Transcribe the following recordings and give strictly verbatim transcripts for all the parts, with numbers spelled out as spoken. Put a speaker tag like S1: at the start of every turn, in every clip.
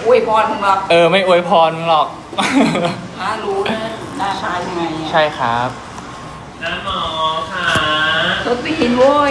S1: อวยพรมึงหรอก
S2: เออไม่อวยพรมึงหรอก
S1: พระรู้นะหน้าตายังไงอ่ะ
S2: ใช่ครับ
S3: น้าหมอค่ะ
S1: ตัวตีนโว้ย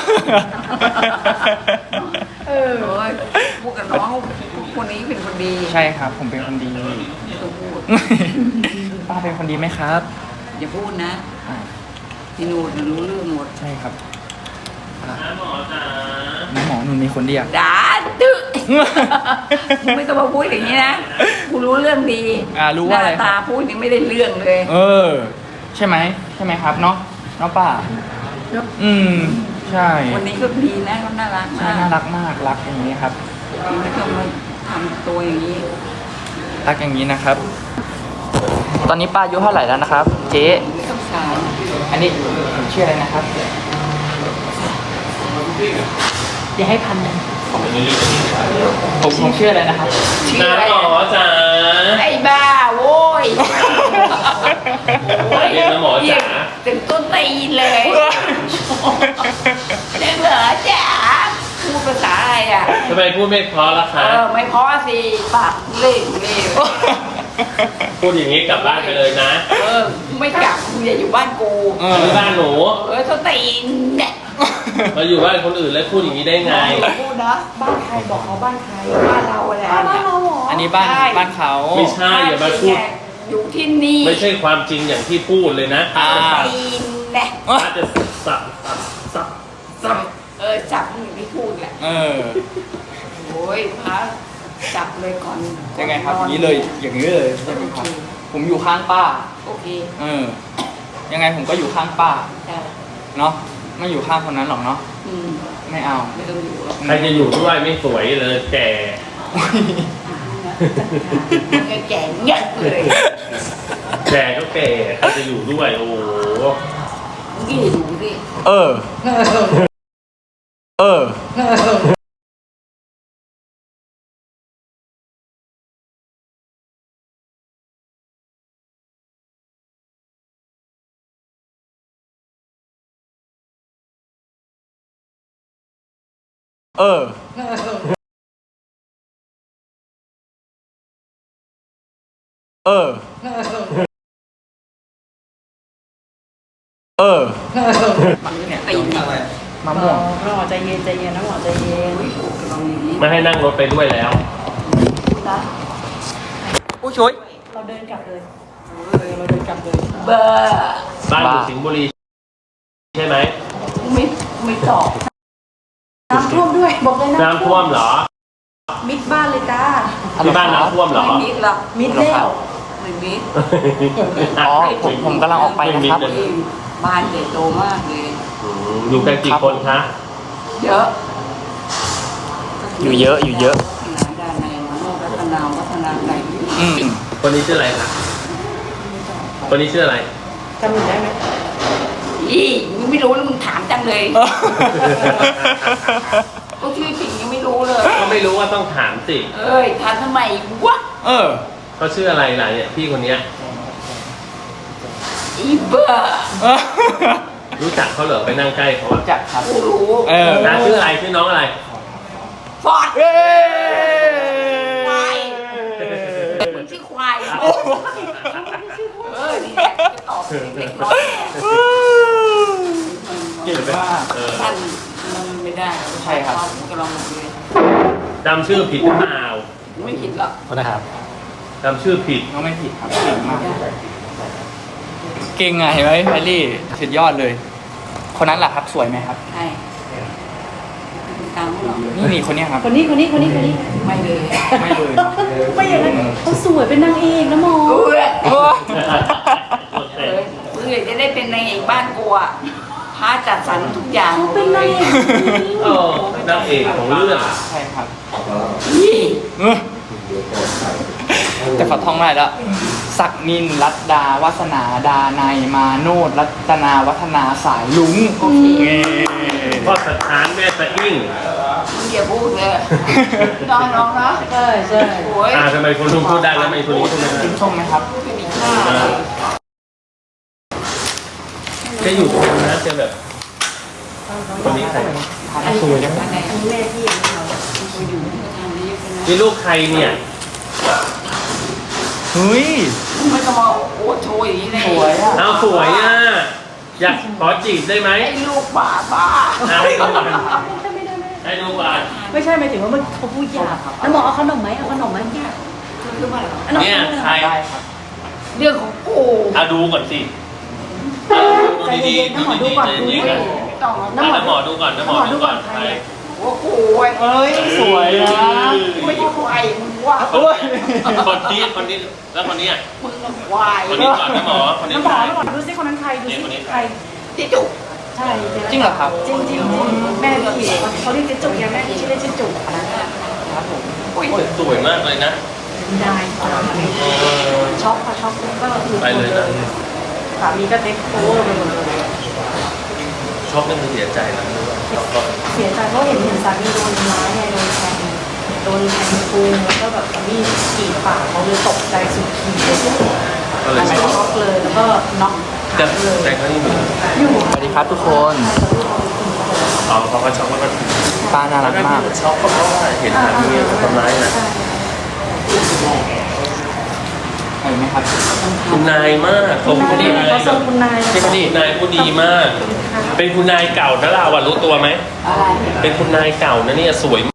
S1: เออพูดกับน้องคนนี้เป็นคนดี
S2: ใช่ครับ ผมเป็นคนดี
S1: ไม่ต้องพูด
S2: ป้าเป็นคนดีไหมครับ
S1: อย่าพูดนะ
S2: อ่า
S1: พี่นูดรู้เรื่องหมด
S2: ใช่ครับอ่ะ
S3: น้าหมอจ๋า
S2: น้าหมอหนูมีคนเดียว
S1: ด่าดื้อมึงไม่ต้องมาพูดอย่างนี้นะกูรู้เรื่องดี
S2: อ่ารู้ว่าอะไร
S1: หน้า
S2: ค
S1: ตา
S2: รับ
S1: พูดยังไม่ได้เรื่องเลย
S2: เออ ใช่ไหมใช่ไหมครับเนาะเนาะป้า อืม ใช่
S1: วันนี้ก็ดีนะเขาน่ารัก
S2: ใช่
S1: มาก
S2: น่ารักมากรักอย่างนี้ครับ
S1: ไม่ต้องมาทำตัวอย่างนี้
S2: รักอย่างนี้นะครับ ตอนนี้ป้าอายุเท่าไหร่แล้วนะครับ เจ๊
S1: ไม่ต้องถาม
S2: อันนี้ผมชื่ออะไรนะครับ
S1: อย่าให้พันหนึ่ง
S2: ผมผมชื่ออะไรนะครับ
S1: ชื่อ
S3: น้า
S1: อะไร
S3: หมอจ๋า
S1: ไอ้บ้าโว้ย
S3: เรียกน้าหมอจ๋า
S1: ถึงต้นตีนเลยเด็กเหรอจ๋าพูดภาษาอะไรอ่ะ
S3: ทำไมพูดไม่เพราะล่ะ
S1: เอ
S3: คะ
S1: อไม่เพราะสิปากเล่เล่
S3: พูดอย่างนี้กลับบ้านไปเลยนะ
S1: เออไม่กลับมึงอย่าอยู่บ้านกู
S2: เออ
S3: ที่บ้านหนู
S1: เออต้นตีนเนี่ย
S3: มาอยู่บ้านคนอื่นแล้วพูดอย่างนี้ได้ไง
S1: พูดนะบ้านใครบอกเขาบ้านใครบ้านเราอะไร
S4: บ้านเราเหรอ
S2: อันนี้บ้านบ้านเขา
S3: ไม่ใช่อย่ามาพูด
S1: อยู่ที่นี่
S3: ไม่ใช่ความจริงอย่างที่พูดเลยนะ
S2: อ่า
S1: ตีนเนี่ย
S3: ถ้าจะสับสับสับ
S1: จับเออจับมึงไม่พูดแหละ
S2: เออ
S1: โอ้ยพระจับเลยก่อน
S2: ยังไงครับอย่างนี้เลย อย่างนี้เลยใช่ไหมครับ ผมอยู่ข้างป้า
S1: โอเค
S2: เออ ยังไงผมก็อยู่ข้างป้า
S1: ได้ เ
S2: เนาะ ไม่อยู่ข้างคนนั้นหรอกเนาะ
S1: อืม
S2: ไม่เอา
S1: ไม่ต้องอยู่หรอก
S3: ใครจะอยู่ด้วยไม่สวยเลยแก่
S1: มึงก็แก่เงี้ยเลย
S3: แก่ก็แก่ใครจะอยู่ด้วยโอ้โห
S1: มึงกี่ดูสิ
S2: เออ เออ เออ เออ เออ เนี่ย
S1: ตีน
S2: มะม่วง
S4: น้องหมอใจเย็นใจเย็นน้องหมอใจเย็น
S1: ลองอย่างนี้
S3: ไม่ให้นั่งรถไปด้วยแล้ว
S1: นะ
S2: ผู้ช่วย
S4: เราเดินกลับเลยเออเราเดินกลับเลย
S1: เบอร์
S3: บ้านอยู่
S2: บ้า
S3: สิงห์บุรีใช่ไหม
S1: ไม่ไม่ตอบ
S4: น้ำท่วมด้วยบอกเลย
S3: น้ำท่วมเหรอ
S4: มิดบ้านเลยจ้า
S3: ที่บ้านน้ำท่วมเหรอ
S1: ไม่มิดหรอก
S4: มิดแล้ว
S1: ไม่มิด
S2: อ๋อผมผมกำลังออกไปนะครับ
S3: ไม่มิดเลย
S1: บ้านใหญ่โตมากเลย
S3: อืมอยู่กันกี่คนคะ
S1: เยอะ
S2: อยู่เยอะอยู่เยอะ
S1: ที่ไหนด้านในมโนรัตนาวัฒนาไหน
S2: อืม
S3: คนนี้ชื่ออะไรคะคนนี้ชื่ออะไร
S4: จำหนูได้ไหม
S1: อีมึงไม่รู้แล้วมึงถามจังเลยก็ชื่อจริงยังไม่รู้เลย
S3: ก็ไม่รู้ว่าต้องถามสิ
S1: เอ้ยถามทำไมวะ
S2: เออ
S3: เขาชื่ออะไรล่ะเนี่ยพี่คนเนี้ย
S1: อีเบอร์
S3: รู้จักเขาเหรอไปนั่งใกล้เขาอะ
S2: จัดครับ
S1: กูรู้
S2: เออ
S3: น้าชื่ออะไรชื่อน้องอะไร
S1: ฟอด
S2: เย้
S1: ควายมึงชื่อควายเออนี่แหละจะตอบเด็กน้อยเนี่ย
S2: เก่งมาก
S3: เออ
S1: ท่านมันไม่ได้
S2: ใช่ครับ
S1: ผมก็ลองดูเลย
S3: จำชื่อผิดหรือเปล่า
S1: ไม่ผิดหรอก
S2: นะครับ
S3: จำชื่อผิด
S2: น้องไม่ผิดครับ เก่งมาก เก่งอ่ะเห็นไหมแพรรี่สุดยอดเลย คนนั้นแหละครับ สวยไหมครับ
S1: ใช่ตามหรอก
S2: นี่นี่คนเนี้ยครับ
S4: คนนี้คนนี้คนนี้คนนี้
S1: ไม่เลย
S2: ไม่เลย
S4: ไม่อย่างนั้นเขาสวยเป็นนางเอกนะหมอ
S1: เออ
S2: โอ้
S1: เออเพื่อจะได้เป็นนางเอกบ้านกูอ่ะพาจัดสรรทุกอย่าง
S4: เขาเป็นนางเอก
S3: เออนางเอกของเรื่อง
S2: ใช่ครับ
S1: นี่
S2: เออแต่เขาท่องได้แล้ว ศักนินรัตดา วัสนาดาในยมาโนดรัตนาวัฒนาสายลุง
S1: โอเค
S2: เย้
S3: พ่อสถานแม่สะอิ่ง
S1: มึงอย่าพูดเลยน้องน้องๆเนาะ
S4: ใช่ใช่
S1: โอ้ย
S3: อ่าทำไมคนนู้นพูดได้แล้วทำไมคนนี้พูดไม่ได้
S2: กินส้มไหมครับ
S1: ไม่มีค่าเลย
S3: แค่อยู่ตรงนั้นนะจะแบบคนนี้ใคร
S2: ทานสวยจัง
S1: อันไหน
S4: อันนี้แม่พี่เองเรา
S1: กูอยู่ทางนี้เป็นนะ
S3: นี่ลูกใครเนี่ย
S1: ล
S2: เฮ้ย
S1: ไม่ต้องมาโอ้โชว์อย่างนี้เลย
S2: สวยอ่ะ
S3: เอาสวยอ่ะอยากขอจีบได้ไหม
S1: ไอ้ลูกบ้าบ้า
S3: อ่ะให้ดูก่อน
S4: ไม่ได้ไม่ได้
S3: ให้ดูก่อน
S4: ไม่ใช่หมายถึงว่ามันเขาพูดยากแล้วหมอเอาขนมไหมเอาขนมไหม
S1: คือว่า
S4: อาขม
S3: เนี่ยใคร
S2: ได้ครับ
S1: เรื่องของกู
S3: เอาดูก่อนสิ
S4: ใจเย็นๆน้ำหมอดูก่อนดูนี่
S1: ไม่ต้อง
S3: น้ำหมอดูก่อนน้ำหมอดูก่อนใคร
S1: โอ้โห
S2: เอ้ยสวยนะ
S1: ไม่ใช่ควายมึงว่า
S2: โอ้ย
S3: คนนี้คนนี้แล้วคนนี้อ่ะ
S1: มึงควาย
S3: คนนี้ก่อนน้ำหมอคนนี้
S4: น้ำหม
S3: ใค
S4: อ
S3: ร
S4: น้ำหมอดูซิคนนั้นใครดูซิใคร
S1: ที่จุก
S4: ใช่
S2: จริงเหรอครับ
S4: จริงจริงแม่พี่เขาเรียกเจ๊จุกไงแม่ชื่อเล่นชื่อจุก
S2: ครับผม
S3: โอ้ยสวยมากเลยนะ
S4: ได้
S3: เออ
S4: ช็อกค่ะช็อกก็คือ
S3: ไปเลยนะ
S4: สามีก็เทคโอเวอร์ไปหมดเลย
S3: ช็อกนั่นคือเสียใจนะช็อกก็
S4: เสียใจเพราะเห็นเห็นสามีโดนทำร้ายไงโดนแทงโดนแทงพุงแล้วก็แบบมีดกรีดปากเขาเลยตกใจสุดขีดเลย
S3: ก็เลย
S4: ไม่
S3: ช็อก
S4: ช็อกเลยแล้วก็น็อก
S3: แต่แต่เขานี่มี
S4: อยู่
S2: สวัสดีครับทุกคน
S3: อ๋อเขาก็ช็อกแล้วก็
S2: ป้าน่ารักมาก
S3: ช็อกก็เพราะว่าเห็นสามีทำร้ายนะ
S2: เห็นไหมครับ
S3: คุณนายมากเขา
S4: คุณ
S3: คุณ
S4: นาย
S3: นาย
S4: เขาส่งคุณนาย
S2: พี่พอดี
S3: คุณนายผู้ดีมาก เป็นคุณนายเก่านะเราอะรู้ตัวไหม
S1: อะไร
S3: เป็นคุณนายเก่านะเนี่ยสวย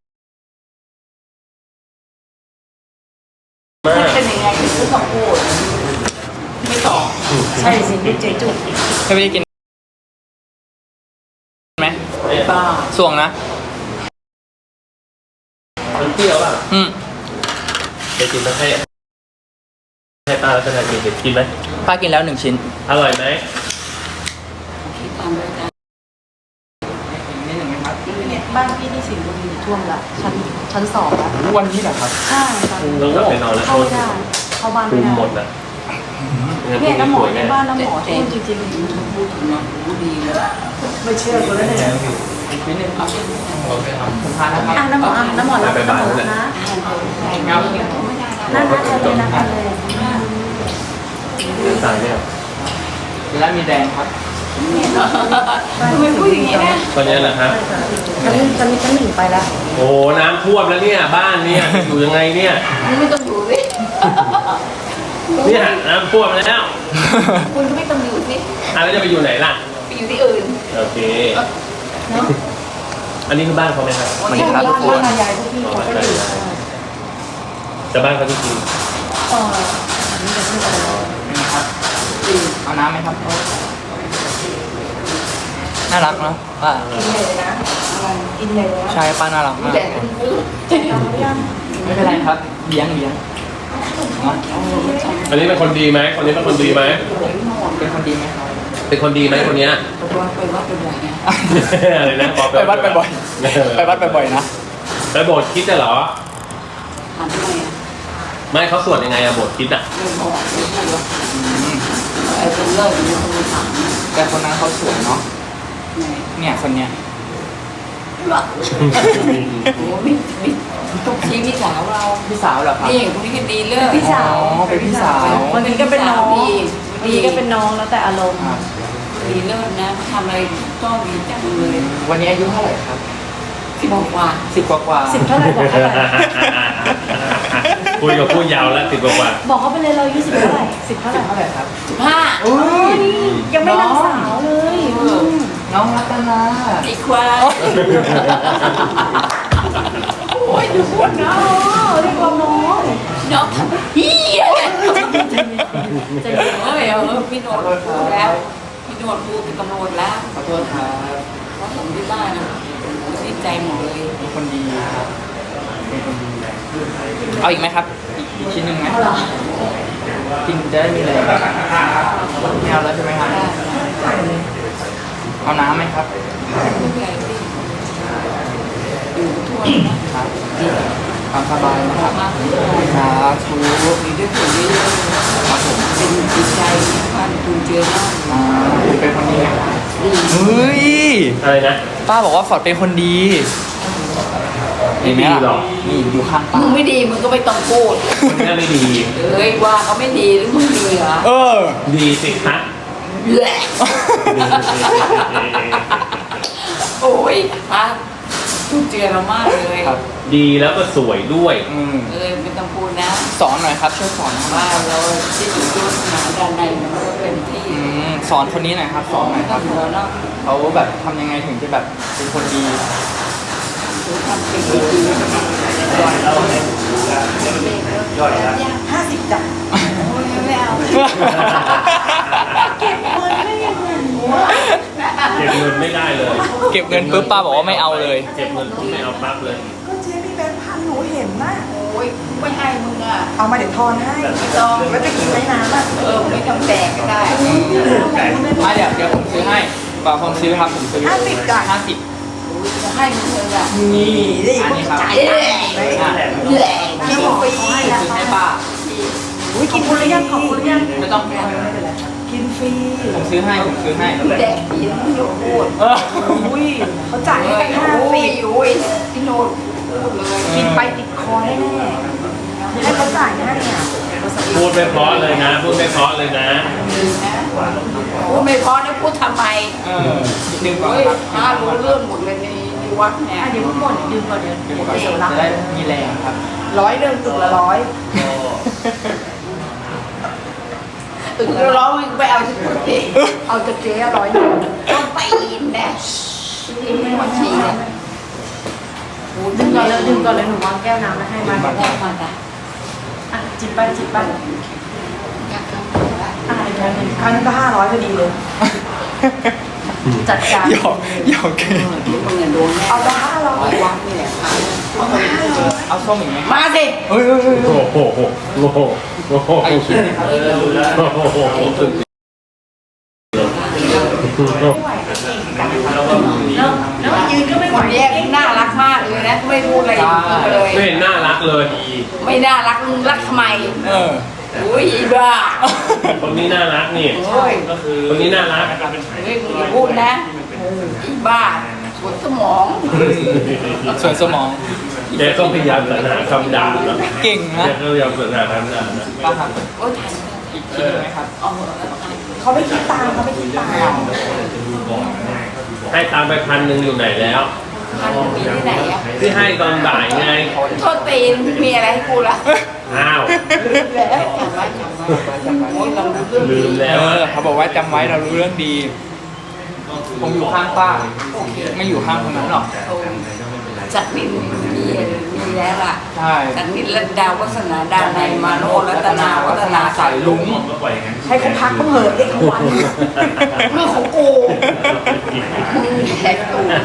S3: มาก
S1: เป็นยังไงคือต้องพูดไม่ตอบ
S4: ใช่สิลูกเจ๊จุก
S2: พี่พอดีกินไหม
S1: บ้า
S2: สวงนะ
S3: มันเปรี้ยวอ่ะ
S2: อืม
S3: ไปกินมาให้ให้ป้าแล้วจะทานกินกินไหม
S2: ป้ากินแล้วหนึ่งชิ้น
S3: อร่อยไหม
S1: คิดตามเลยกัน
S2: นิดหนึ่งไหมครับ
S4: เนี่ยบ้านพี่ที่สิงห์บุรีท่วมละชั้นชั้นสองละ
S2: วันนี้เหรอครับ
S4: ใช่ค่ะ
S3: ต้องกลับไปนอนแล้ว
S4: เข้าไม่ได้เข้าบ้าน
S3: คุ
S4: ไม่
S3: ม
S4: ได้
S3: หมดอ่ะ
S4: เนี่ยน้ำหมอใน
S3: แน่
S4: บ้านน้ำหมอท่วมจริง
S1: พูดถึงเนาะพูดดีเลย
S4: ๆไม่เชื่อกูแล้วเนี่ย
S2: นิดหนึ่งเอาผมทานนะครับ
S4: อ่ะน้ำหมออ่ะน้ำหมอรับน้ำหมอรับนะ
S2: งับ
S4: นั่นนะทะเลนะทะเล
S3: ตายเนี่ย
S2: แล้วมีแดงครับ
S1: ทำไมพูดอย่างนี้นะ
S3: ตอนนี้แหละครับ
S4: ชั้นชั้นชั้นหนึ่งไปแล้ว
S3: โอ้น้ำท่วมแล้วเนี่ยบ้านเนี่ยอยู่ยังไงเนี่ย
S1: มึงไม่ต้องอยู่สิ
S3: เนี่ยน้ำท่วมแล้ว
S1: คุณก็ไม่ต้องอยู่สิ
S3: อ่ะแล้วจะไปอยู่ไหนล่ะ
S1: ไปอยู่ที่อื่น
S3: โอเค
S4: เนาะ
S3: อันนี้คือบ้านเขาไหมครับ
S2: สวัสดีครับทุกคน
S4: บ้านยายพวกพี่เขาก็อยู่
S3: จะบ้านเขาจริง
S4: เอออันนี้จะพูดอะไร
S2: ครับเอาน้ำไหมครับ น่ารักเนาะป้า
S4: กินเลยนะอะไรกินเลยนะ
S2: ใช่ป้าน่ารักมาก
S1: แต่คุณพูด
S4: เอาหรือยัง
S2: ไม่เป็นไรครับเลี้ยงเลี้ยงเนาะ
S3: อันนี้เป็นคนดีไหมคนนี้เป็นคนดีไหม
S2: เป็นคนดีไหมครับ
S3: เป็นคนดีไหมคนเนี้ย
S1: ไปวัดไปวัดไปบ่อยนะ
S3: อะไรนะ
S2: ไปวัดบ่อยๆไปวัดบ่อยๆนะ
S3: ไปโบสถ์คิดจะเหรอ
S1: ถามทำไมอ่ะ
S3: ไม่เขาสวดยังไงอะโบสถ์คิดอะ
S1: ไม่บอกไม่พูดหรอกไอ้คนเลิกนี่คนถาม
S2: แต่คนนั้นเขาสวยเนาะ
S1: ไง
S2: เนี่ยคนเนี้ย
S1: โอ้ไม่ไม่ทุกทีพี่สาวเรา
S2: พี่สาวเหรอครับ
S1: นี่คนนี้ก็ดีเลิก
S4: พี่สาว
S2: อ๋อเป็นพี่สาว
S4: วันนี้ก็เป็นน้อง
S1: ดี
S4: ดีก็เป็นน้องแล้วแต่อารมณ์
S2: ครับ
S1: ดีเลิศนะทำอะไรก็ดีจังเลย
S2: วันนี้อายุเท่าไหร่ครับ
S1: สิบกว่า
S2: สิบกว่ากว่า
S4: สิบเท่าไหร่บอกเขาไป
S3: คุยกับพูดยาวแล้วติดกว่า
S4: บอกเขาไปเลยเราอายุสิบเท่าไหร่สิบเท่าไหร่
S2: เท่าไหร่ครับ
S1: สิบห้า
S2: อุ้ย
S4: ยังไม่นางสาวเลยอืม
S2: น้องรัตนา
S1: อีกควายโอ้ยดูพูดนะ
S4: อ๋อเรียกว่าน้อง
S1: น้องเฮีย
S4: ใจเย็น
S1: เฮ้ยเออพี่โนดพูดแล้ว พี่โนดพูดเป็นตำรวจแล้ว
S2: ขอโทษครับ
S1: เพราะผมที่บ้านนะผมติดใจหมดเลย
S2: เป็นคนดีครับเป็นคนดีเอาอีกไหมครับ อีกอีกชิ้นหนึ่งไหมกินจะได้มีแรงไม่เอาแล้วใช่ไหมครับเอาน้ำไหมครับ
S1: ไม่เป็นไรพี่อยู่ทั่วนะครับ
S2: ตามสบายนะครับ
S1: มาทุกคน
S2: สาธุ
S1: มีด้วยผลดีด้วย
S2: ครับผม
S1: เป็นจิตใจที่พันคุณเจอหน้า
S2: อ่าเป็นคนดีไหมครับ
S1: ดี
S2: เฮ้ย
S3: ๆอะไรนะ
S2: ป้าบอกว่าฟอร์ดเป็นคนดี
S3: ไม่ดีหรอก
S2: นี่อยู่ข้างป้า
S1: มึงไม่ดีมึงก็ไม่ต้องพูด
S3: คนนี้ไม่ดี
S1: เอ้ยว่าเขาไม่ดีหรือมึงดีเหรอ
S2: เออ
S3: ดีสิคะ
S1: แหละโอ้ยพักทุ่มเจเรามากเลย
S2: ครับ
S3: ดีแล้วก็สวยด้วย
S2: อืม
S1: เออไม่ต้องพูดนะ
S2: สอนหน่อยครับช่วยสอนหน่อยครับ
S1: ว่าเราที่อยู่ที่ศาสนาด้านในมันก็เป็นที่
S2: อืมสอนคนนี้หน่อยครับสอนหน่อยค
S1: ก็
S2: รับ
S1: ถือเนาะ
S2: เขาแบบทำยังไงถึงจะแบบเป็นคนดี
S1: ถือทำเป็นที่ดี
S4: ห้าสิบจ้ะ
S1: โอ้ยไม่เอา
S4: เก็บเงินไม่ยังไงวะ
S3: เก็บเงินไม่ได้เลย
S2: เก็บเงินปุ๊บป้าบอกว่าไม่เอาเลย
S3: เก็บเงินปุ๊บไม่เอาปั๊บเลย
S4: ก็เจ๊มีแบงค์พันหนูเห็นนะ
S1: โอ้ยไม่ให้มึงอ่ะ
S4: เอามาเดี๋ยวทอนให้
S1: ไม่ต้อง
S4: แล้วจะกินไหมน้ำอ่ะ
S1: เออไม่ต้องแดกก็ได้
S2: อ่ะเดี๋ยวเดี๋ยวผมซื้อให้ป่าผมซื้อครับผมซื้อ
S4: ห้าสิบจ้ะ
S2: ห้าสิบ
S1: จะให้มึงเลยอ่ะ
S4: นี่ดิ
S2: อันนี้ครับ
S4: จ่าย
S1: แห
S4: ได้
S1: ละ
S4: ไหม
S1: แหละ
S4: กิ
S1: กิ
S4: น
S1: น
S4: ฟรี
S2: ซื้อให้ป้า
S4: อุ้ยกินฟรียังขอบคุณยัง
S2: ไม่ต้อง
S4: กินฟรี
S2: ผมซื้อให้ผมซื้อให้
S1: แดกกินพี่โนดพูด
S2: เออ
S4: อุ้ยเขาจ่ายให้กันห้า
S1: โอ้
S4: สิ
S1: ย
S4: บ
S1: โอ้ยพี่โนดพูดเลย
S4: กินไปติดคอแน่ๆให้เขาจ่ายให้อ่ะ
S3: พูดไม่เพราะเลยนะ พูดไม่เพราะเลยนะ
S1: พูดไม่พอนะพูดทำไม
S2: เออดึงก่อน
S1: เฮ้ย
S2: ครับ
S1: ถ้ารู้เรื่องหมดเลยในในวัดเนี่ย
S4: อ่ะเดี๋ยวพูดหมดดื่มก่อนเดี๋ยว
S2: ดึงก่อน
S4: เดี๋ยวรับ
S2: จะได้มีแรงครับ
S4: ร้อยเดิมตึกละร้อย
S1: ตึกร้องไปเอาที่พูดเอง
S4: เอาจะเจ๊ร้อยหนึ่ง
S1: ต้องไปอินแน่อินไม่มาชี้เนี่ย
S4: ดึงก่อนเลยดึงก่อนเลยหนูวางแก้วน้ำมาให้มา
S1: แม่มาจ้ะ
S4: อ่ะจิบไปจิบไป
S1: อยากทำอะไร
S4: อ่ะอีกอันหนึ่งครั้งนี้ก็ห้าร้อยพอดีเลย จัดการ
S2: หยอกหยอกเกิน
S1: ที่มึงเนี่ยโดนแน่
S4: เอาไปห้าร้อย
S1: วัดนี่แหละ
S2: เอาส้มอีกไหม
S1: มาสิ
S2: เฮ้ยเฮ้ยเฮ้ย
S3: โอ้โหโอ้โหโอ้โห
S2: ไอ้คิดเลยครับ
S3: โอ้โหสุด
S4: แล้วแล้วยืนก็ไม่ไห
S1: คว นแยกน่ารักมากเลยนะไม่พูดอะไรเลย
S3: ไม่เห็นน่ารักเลย
S1: ไม่น่ารักมึงรักทำไม
S2: เออ
S1: อุ้ยอีบ้า
S3: คนนี้น่ารักนี่
S1: โอ้ย
S3: คนนี้น่ารัก
S1: เฮ้ยมึงอย่าพูดนะอีบ้าปวดสมอง
S2: ส่วนสมอง
S3: แกก็พยายามสรรหาคำด่านะ
S2: เก่ง
S3: แก
S2: นะ
S3: ก็พยายามสรรหาคำด่านะ
S2: ป้าครับ
S1: โอ้ยทัน
S2: อีกชิ้นหนึ่งไหมครับ
S1: เอาเหอะแล้วกัน
S4: เขาไม่คิดตามเขาไม่คิดตาม
S3: ให้ตามไปพันหนึ่งอยู่ไหนแล้ว
S1: ทันมีที่ไหนอ่ะ
S3: ที่ให้ตอนบ่ายไง
S1: โทษตีนมีอะไรให้กูล่ะ
S3: อ้าว
S1: แล้วจำไว้จำไว้โอ้ยเรารู้เรื่อง
S3: ลืม
S2: เอ
S3: แล้ว
S2: อเขาบอกว่าจำไว้เรารู้เรื่องดี ผมอยู่ข้างป้า ไม่อยู่ข้างคนนั้นหรอก
S1: จักรินมีมีแล้วล่ะ
S2: ใช่
S1: จักรินรัตดาวัฒนาดาในยมาโนรัตนาวัฒนา
S2: สายลุง
S4: ให้เขาพักเขาเหอะเด็กเขาวัน
S1: เรื่องของกูมึงแหกตูด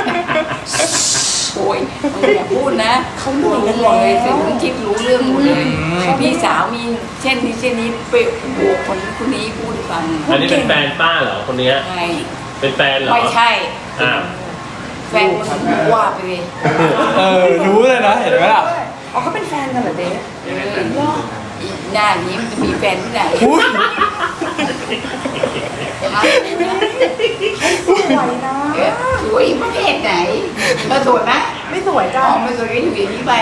S1: โอ้ยมึงอย่าพูดนะเขารู้หมดเลยสิมึงคิดรู้เรื่องหมดเลยพี่สาวมีเช่นนี้เช่นนี้ไปบวกคนนี้คนนี้พูดให้ฟัง
S3: อันนี้เป็นแฟนป้าเหรอคนเนี้ย
S1: ใช่
S3: เป็นแฟนเหรอ
S1: ไม่ใช่
S3: อ้าว
S1: แฟนมึงว่าไปเลย
S2: เออ รู้เลยนะ เห็นไหมล่ะ
S4: อ๋อเขาเป็นแฟนกันเหรอเจ๊
S1: เอออีหน้านี้มันจะมีแฟนที่ไหน
S2: อุ้ย
S4: สวยนะ
S1: เอ๊ะสวยประเภทไหนเธอสวยไหม
S4: ไม่สวยจ้ะ
S1: อ๋อไม่สวยก็อยู่อย่างนี้ไป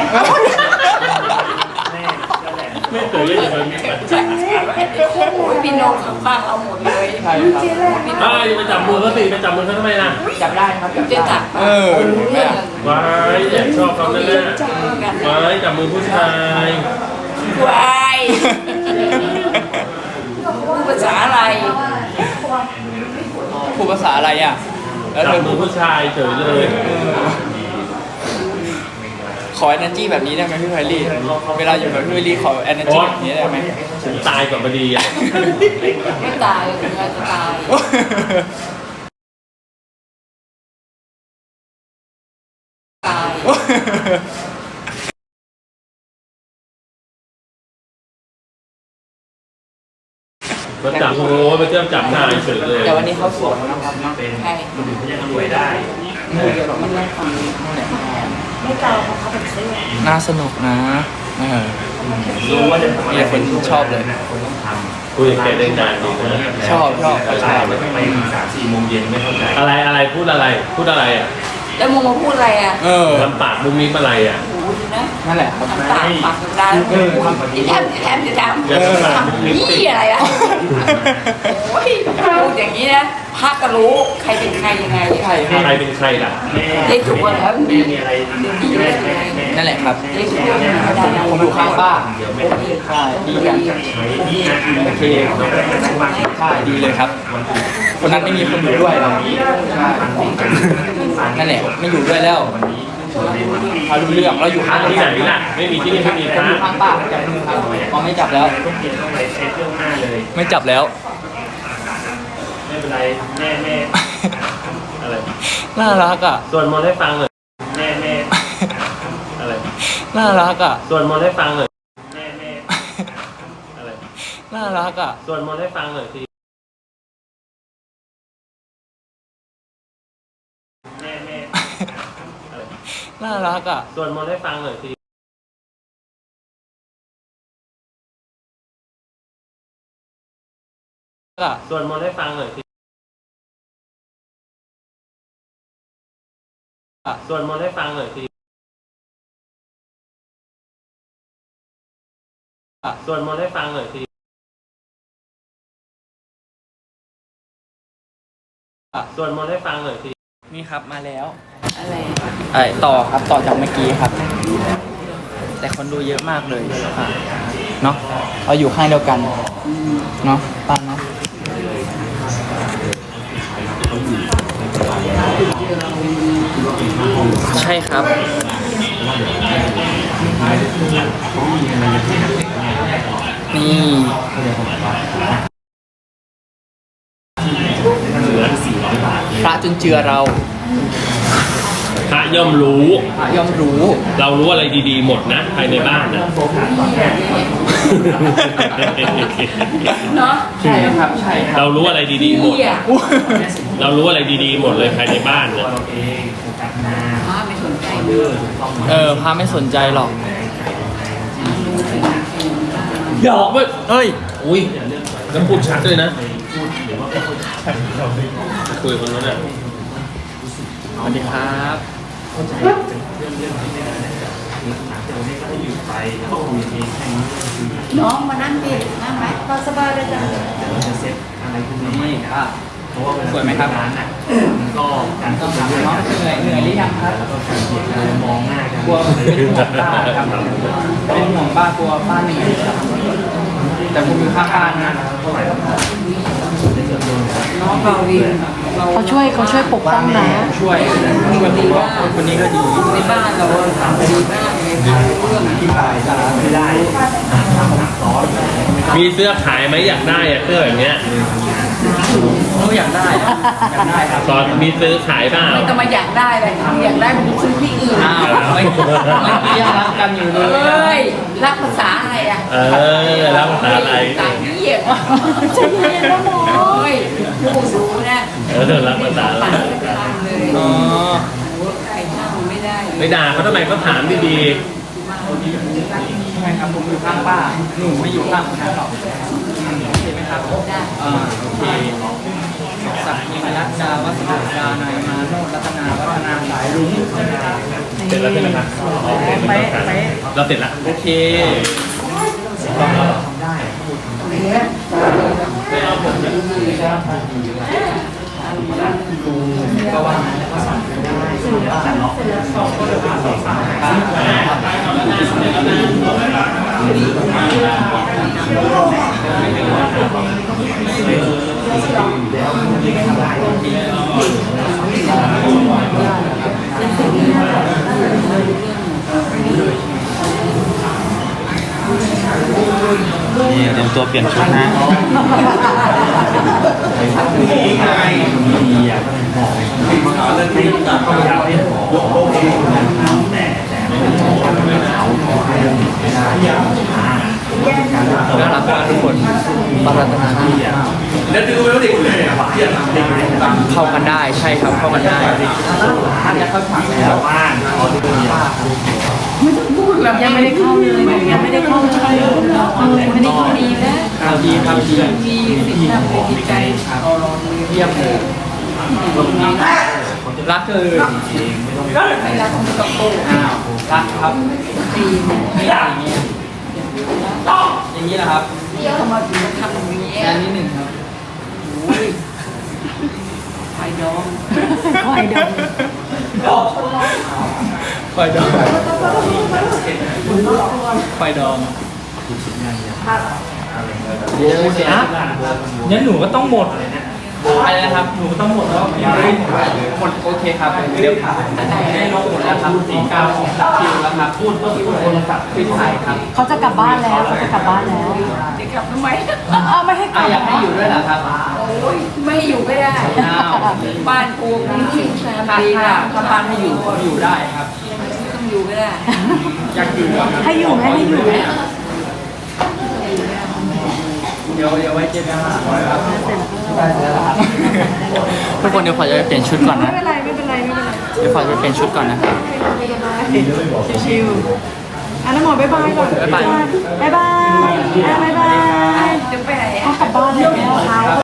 S3: ไม่เคยเล่นเลยมีแฟน
S1: โอ้ยพี่โนนข้างๆเราหมดเลย
S2: ใช่ครับ
S4: เจ๊แรก
S3: อ้าวอย่าไปจับมือเขาสิไปจับมือเขาทำไมล่ะ
S2: จับได้ครับ
S1: จะ
S2: จับได้
S1: จับ
S2: เออ
S1: รู้เรื่อง
S3: ว้ายแอบชอบเขาแน่
S1: จับกัน
S3: ๆว้ายจับมือผู้ชาย
S1: วายพูดภาษาอะไร
S2: พูดภาษาอะไรอ่ะ แล้ว
S3: จั
S2: เธ
S3: บ
S2: อ
S3: มือผู้ชายเฉยเลย
S2: ขอ energy แบบนี้ได้ไหมพี่ไพลี่ เวลาอยู่กับพี่ไพลี่ขอ energy แบบนี้ได้ไหม
S3: ถึงตายก่อนพอดีอ่ะ
S1: ไม่ตายถึงจะตายตาย
S3: มาจับโอ้มาเจ้าจับนายเฉยเลย
S2: แต่วันนี้เขาสวยนะครับเนาะ
S1: ใคร
S2: นี่เดี๋ยวเราไม่ได้ฟังนู่นแหละ
S4: ไม่เกาเพราะเขาเป็นเสื้อ
S2: น่าสนุกนะเออมีแต่คนชอบเลย
S3: คุยกับแกได้นานดีนะ
S2: ชอบชอบเขาชอบ
S5: ไปสามสี่โมงเย็นไม่เข้าใจ
S3: อะไรอะไรพูดอะไรพูดอะไรอ่ะ
S1: แล้วมึงมาพูดอะไรอ่ะ
S2: เออ
S3: ทำปากมุมนี้อะไรอ่ะ
S1: โอ้โหดูนะ
S2: นั่นแหละครับ
S1: ทำตาปากดาแล้วพูดอีแทมอีแทมอีแทม
S3: อย่าทำปากมุมนี้
S1: นี่อะไรอ่ะโอ้ยพูดอย่างนี้นะพระก็รู้ใครเป็นใครยังไง
S2: ใช่ค
S3: ใคร
S2: รับ
S3: เป็นใครล่ะแม่
S1: ได้ถูกแล้ว
S3: แม่มีอะไร
S1: ดีเลย
S2: นั่นแหละครับ
S1: ได้ถูกแล้วไม่ได้แล้ว
S2: ผมอยู่ข้างป้า
S3: เดี๋ยวแม่
S2: ใช่ดีกันโอเคใช่ดีเลยครับ คนนั้นไม่มีคนอยู่ด้วยเราใช่นั่นแหละไม่อยู่ด้วยแล้วเขารู้เรื่องเราอยู่ข้าง
S3: ที่ไหนล่ะไม่มีที่นี่ไม่มีพ
S2: ผม
S3: ระ
S2: อยู่ข้างป้าจับมือครับเขาไม่จับแล้ว
S3: ต้องกินต้องไปเช็ดเรื่องหน้าเลย
S2: ไม่จับแล้ว
S3: ไม่เป็นไรแม่แม่อะไร
S2: น่ารักอ่ะ
S3: ส่วนมนต์ให้ฟังหน่อยแม่แม่อะไร
S2: น่ารักอ่ะ
S3: ส่วนมนต์ให้ฟังหน่อยแม่แม่อะไร
S2: น่ารักอ่ะ
S3: ส่วนมนต์ให้ฟังหน่อยสิแม่แม่อะไร
S2: น่ารักอ่ะ
S3: ส่วนมนต์ให้ฟังหน่อยสิส่วนมนต์ให้ฟังหน่อยสิส่วนมนต์ให้ฟังหน่อยสิส่วนมนต์ให้ฟังหน่อยสิส่วนมนต์ให้ฟังหน่อยสิ
S2: นี่ครับมาแล้ว
S1: อะไร
S2: ไอ้ต่อครับต่อจากเมื่อกี้ครับ แต่คนดูเยอะมากเลยเนาะเราอยู่ข้างเดียวกันเนาะป้าเนาะใช่ครับนี่พระจุนเจือเรา
S3: พระย่อมรู้
S2: พระย่อมรู้
S3: เรารู้อะไรดีๆหมดนะภายในบ้านนะ
S1: เนาะ
S2: ใช่ครับใช่ครับ
S3: เรารู้อะไรดีๆหมด
S1: เหี้ย
S3: เรารู้อะไรดีๆหมดเลยภายในบ้านนะ
S1: พระไม่สนใจ
S2: เออพระไม่สนใจหรอก
S3: หยอกเว้ย
S2: เฮ้ย
S3: อุ้ยแล้วพูดชัดด้วยนะคุยกับคนนั้นน่ะ
S2: สวัสดีครับ
S1: น้องมานั่งดินั่งไหม
S4: เราสบายเลยจ้ะ
S2: นี่อ่ะสวยไหมครับก็ต้องถามน้องเหนื่อยเหนื่อยหรือยังครับมองหน้ากันกลัวเป็นห่วงป้าครับเป็นห่วงป้ากลัวป้าเหนื่อยครับแต่ผมอยู่ข้างป้านะ
S1: น้องเราดีเรา
S4: เขาช่วยเขาช่วยปกป้องนะ
S2: ช่วยช่วยผมว่าคนนี้ก็ดี
S1: ในบ้านเราดีมากเลยค่ะเรื่องที่ตาย
S2: ไม่ได้
S3: มีเสื้อขายไหมอยากได้อะเสื้อแบบเนี้ย
S2: เขาอยากได้ครับอยากได้ครับ
S3: ตอนมีซื้อขายเปล่า
S1: ไม่ต้องมาอยากได้เลยอยากได้มันซื้อที่อื่น
S2: อ้าวไม่เมื่อกี้ยังรักกันอยู่เล
S1: เอ้
S2: ย
S1: ยรักภาษาอะไรอ่ะ
S3: เออแล้วภาษาอะไร
S1: ต่างเยี่ยมจะเย็นแล้วหมอเฮ้ยผู้ดูนะ
S3: เออแล้วภาษาอะไร
S1: ปั่นไม่ทำเลย
S2: อ๋อ
S1: หัวไก่ช่างไม่ได้
S3: ไม่ด่าเขาทำไมเขาถามดี
S2: ใช่ครับผมอยู่ข้างป้าหนูไม่อยู่ข้างคนนั้นหรอกโอเคไหมครับ
S1: ได้
S2: อ่าโอเคสักยิงรัตดาวัฒนาดานายมาโนรัตนาวัฒนาสายรุ้ง
S3: ๆ เสร็จแล้วใช่ไหมครับโอเคไม่ต้องการเราเสร็จแล้ว
S2: โอเค ก็ว่า
S6: นี่เตรียมตัวเปลี่ยนชุดนะ
S2: น่ารักมากทุกคนบารัตนาแล้วดูแล้วเด็กเลยเข้ากันได้ใช่ครับเข้ากันได้ท่านจะเข้าฉากแล้ว
S4: ยังไม่ได้เข้าเลยยังไม่ได้เข้าเลยไม่ได้เข้าดีนะ
S2: ข่าวดีข่าวดี
S1: มีสิ่งที่เป็นจิตใจ
S2: เยี่ยมเลยรักเธอ
S1: ไม่รักของตะโกน
S2: อ้าวรักครับ
S1: ตี
S2: นี่อย่างนี้อย่างนี้แหละครับ
S1: เที่ยวมาถึงทำอย่างนี้
S2: อันนี้หนึ่งครับ
S1: เควายดอง
S4: ควายดอง
S2: ไฟดองไฟดองเดี๋ยวเดี๋ยวงั้นหนูก็ต้องหมดอะไรนะครับหนูก็ต้องหมดแล้วยังไม่หมดหมดโอเคครับเดี๋ยวได้ลงหมดแล้วครับสี่เก้าของคิวแล้วครับพูดก็พูดโทรศัพท์พิสัยครับ
S4: เขาจะกลับบ้านแล้วเขาจะกลับบ้านแล้ว
S1: จะกลับทำไม
S4: เอาไม่ให้ก
S2: อ่ะ
S4: ลับ
S2: อยากให้อยู่ด้วยเหรอครับ
S1: โอ้ยไม่ให้อยู่ก็ได้
S2: อ้าว
S1: บ้านกูมีที่แซม
S2: ถ้า
S1: ดี
S2: ถ้า
S1: ค่ะ
S2: ถ้าบ้านให้อยู่ก็อยู่ได้ครับ
S1: ไม่ต้องอยู่ก็ได้
S2: อยากอยู่ครับ
S4: ให้อยู่ไหมให้อยู่ไหม
S2: เดี๋ยวเดี๋ยวไว้เจอกันครับทุกคนเดี๋ยวขอจะไปเปลี่ยนชุดก่อน
S4: ไม่
S2: นะ
S4: เป็นไรไม่เป็นไรไม่เป็นไร
S2: เดี๋ยวขอจะไปเปลี่ยนชุดก่อนนะครับ
S4: ชิวๆอ่ะน้ำหมอบ๊ายบายก่อน
S2: บ๊ายบาย
S4: บ๊ายบายอ่ะบ๊ายบาย
S1: จะไปไหน
S4: เขากลับบ้านแล้ว